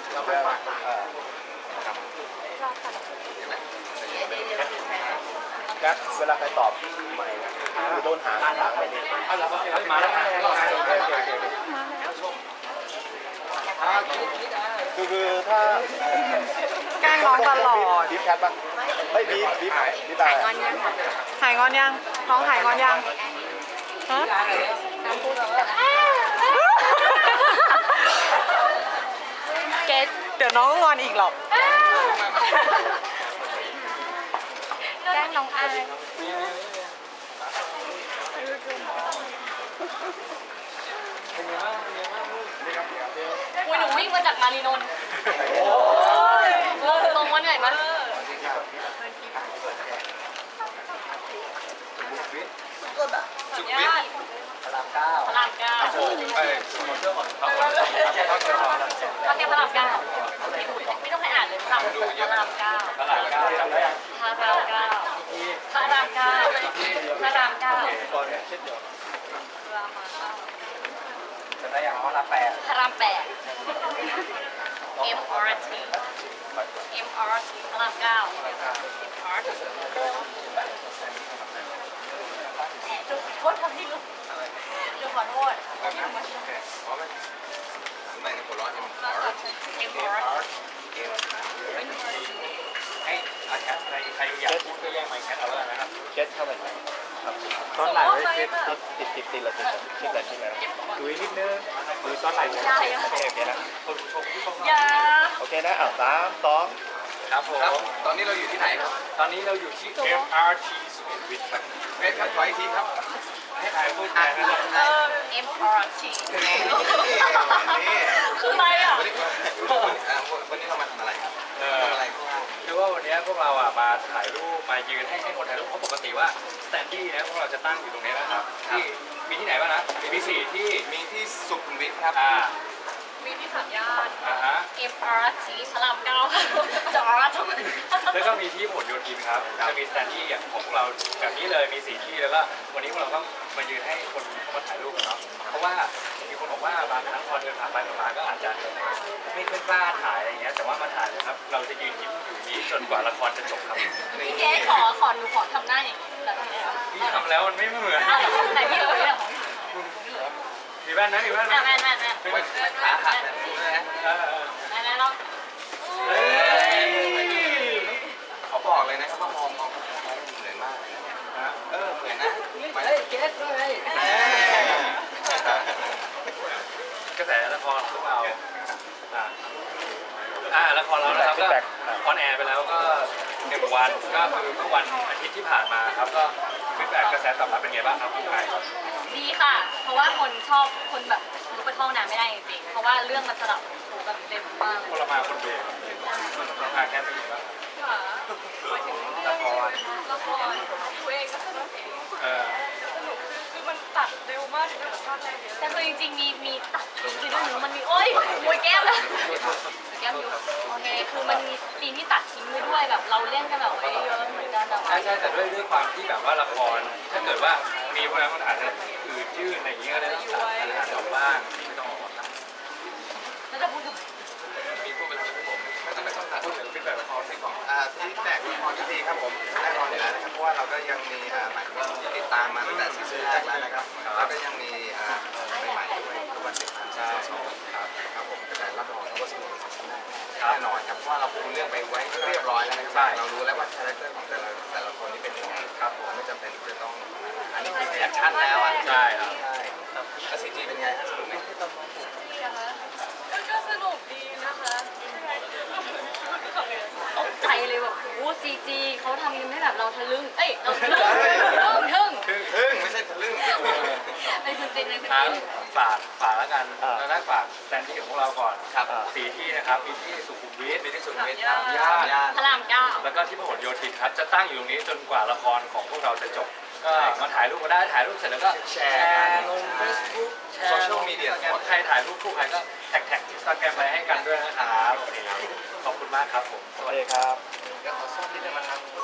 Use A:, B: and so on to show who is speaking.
A: เราเพื่อครับแก๊สเวลาใครตอบใหม่โดนหางไม่ดีมาแล้วคือถ้า
B: แกล้งน้องตลอด
A: บีบแคทป่ะเฮ้ยบีบตาย
B: หายงอนยังน้องหายงอนยังฮะเกดเดี๋ยวน้องก็งอนอีกหรอก
C: แกล้งน้องอายหนูวิ่งมาจากมารีนนท์ลงมาเหนื่อยมั้ยสุดยอดพระรามเก้าเขาเรียกพระรามเก้าไม่ต้องให้อ่านเลยพระรามเก้าพระรามเก้า
A: จะได้อย่างว่าละแปด
C: พระราม8 MRT พระรามเก้า MRT โทษทำที่ลูกขอโทษ
A: ไม่ในคนร้อน
C: MRT
A: ให้อาแคสใครอยากพูดก็แย่งไมค์แคสเอาแล้วนะครับแคสเข้าไปตอนไหนไว้ติดเลยชิดเลยดูนิดนึงดูตอนไหนโอเคนะโอเคนะ3-2ครับผมตอนนี้เราอยู่ที่ไหนครับตอนนี้เราอยู่ที่ MRT สุขุมวิทครับเวทครับขออีกทีครับให้ใครพูดแทนนะ
C: MRT คืออะไรอ่ะ
A: วันนี้เรามาทำอะไรครับคือว่าวันนี้พวกเรามาถ่ายรูปมายืนให้คนถ่ายรูปเพราะปกติว่าสแตนดี้นะพวกเราจะตั้งอยู่ตรงนี้นะครับที่มีที่ไหนบ้างนะมี4ที่มีที่สุขุมวิทครับ
C: มีที่สามย่าน MRT พระรามเก้าจอร์จ
A: แล้วก็มีที่ผลโยธินครับจะมีสแตนดี้อย่างของพวกเราแบบนี้เลยมี4ที่แล้วก็วันนี้พวกเราก็มายืนให้คนเข้ามาถ่ายรูปกันเนาะเพราะว่ามีคนบอกว่าบางครั้งพอเดินผ่านไปมาก็อาจจะไม่ค่อยกล้าถ่ายอะไรอย่างเงี้ยแต่ว่ามาถ่ายนะครับเราจะยืนยิ้มอยู่นี้จนกว่าละครจะจบครับ
C: พี่เกดขอหนูขอทำหน้าอย่างนี้แบบนี้
A: พี่ทำแล้วมันไม่เหมือน
C: ไหนพี่เอ๋ยของ
A: มีแว่นนะมีแว่น
C: แว่น
A: ขาหัก
C: นะเรา
A: เขาบอกเลยนะครับว่ามองเหมือนมากเหมือนนะ
C: เกดเลย
A: กระแสละครพวกเราละครเรานะครับก็ออนแอร์ไปแล้วก็1 วันก็คือเมื่อวันอาทิตย์ที่ผ่านมาครับก็ฟีดแบ็กกระแสตอบรับเป็นไงบ้างครับคุณไก่
C: ดีค่ะเพราะว่าคนแบบลุกไปเข้าน้ำไม่ได้จริงๆเพราะว่าเรื่องมันสลับแบบเต็มมาก
A: คนละมาคนเดียวแค่เป็นยังไงบ้าง
C: หมายถึงละครตัวเองก็สนุกเองสนุกคือมันตัดเร็วมากถึงแบบภาพแรกเยอะแต่คือจริงๆมีตัดจริงๆด้วยหนูมันมีโอ๊ยมวยแก้มเลยแก้มอยู่โอเคคือมันมีซีนที่ตัดทิ้งไปด้วยแบบเราเล่นกันแบบไว้เยอะเหมือนกันแต่
A: ใช่แต่ด้วยความที่แบบว่าละครถ้าเกิดว่ามีพวกนั้นมันอาจจะอืดยืดอะไรอย่างเงี้ยก็ได้ต้องตัดอาจจะออกบ้างไม่ต้องออกตัด
C: แล้วจะพูดถึง
A: มีพูดไปแล้วผมไม่ต้องตัดพูดถึงฟีดแบ็กละครสิก่อน
D: ฟีดแบ็กละครที่ดีครับผมแน่นอนอยู่แล้วนะครับเพราะว่าเราก็ยังมีหมายถึงว่าติดตามมาตั้งแต่ซีซั่นแรกแล้วนะครับแล้วก็ยังมีใหม่ๆด้วยทุกวันติดตามครับผมแต่รับรองว่าสนุกแน่นอนครับเพราะว่าเราปูเรื่องไปไว้เรียบร้อยแล้วนะครับเรารู้แล้วว่าคาแรคเตอร์ของแต่ละคนนี่เป็นยังไงครับผมไม่จำเป็นที่จะต้องอันนี้คือแอคชั่นแล้ว
A: ใช่ครับ
D: แล้วซีจีเป็นไงสนุกไหม
C: ก็สนุกดีนะคะตกใจเลยแบบโอ้ซีจีเขาทำให้แบบเราทะลึ่งเราทะลึ่ง
D: ไม่ใช่ทะลึ่ง
C: ไอ้คุณติน
A: ฝากแล้วกันแล้วได้ฝากสแตนดี้ของพวกเราก่อนครับ4 ที่นะครับมีที่สุขุมวิทครับย่าน
C: พระรามเก้า
A: แล้วก็ที่พหลโยธินครับจะตั้งอยู่ตรงนี้จนกว่าละครของพวกเราจะจบก็มาถ่ายรูปก็ได้ถ่ายรูปเสร็จแล้วก็แชร์ลง Facebook แชร์โซเชียลมีเดียใครถ่ายรูปคู่ใครก็แท็ก Instagram ไปให้กันด้วยนะครับขอบคุณมากครับผมสวัสดีครับ
D: เดี๋ยวขอส้มนิดนึงมาทำ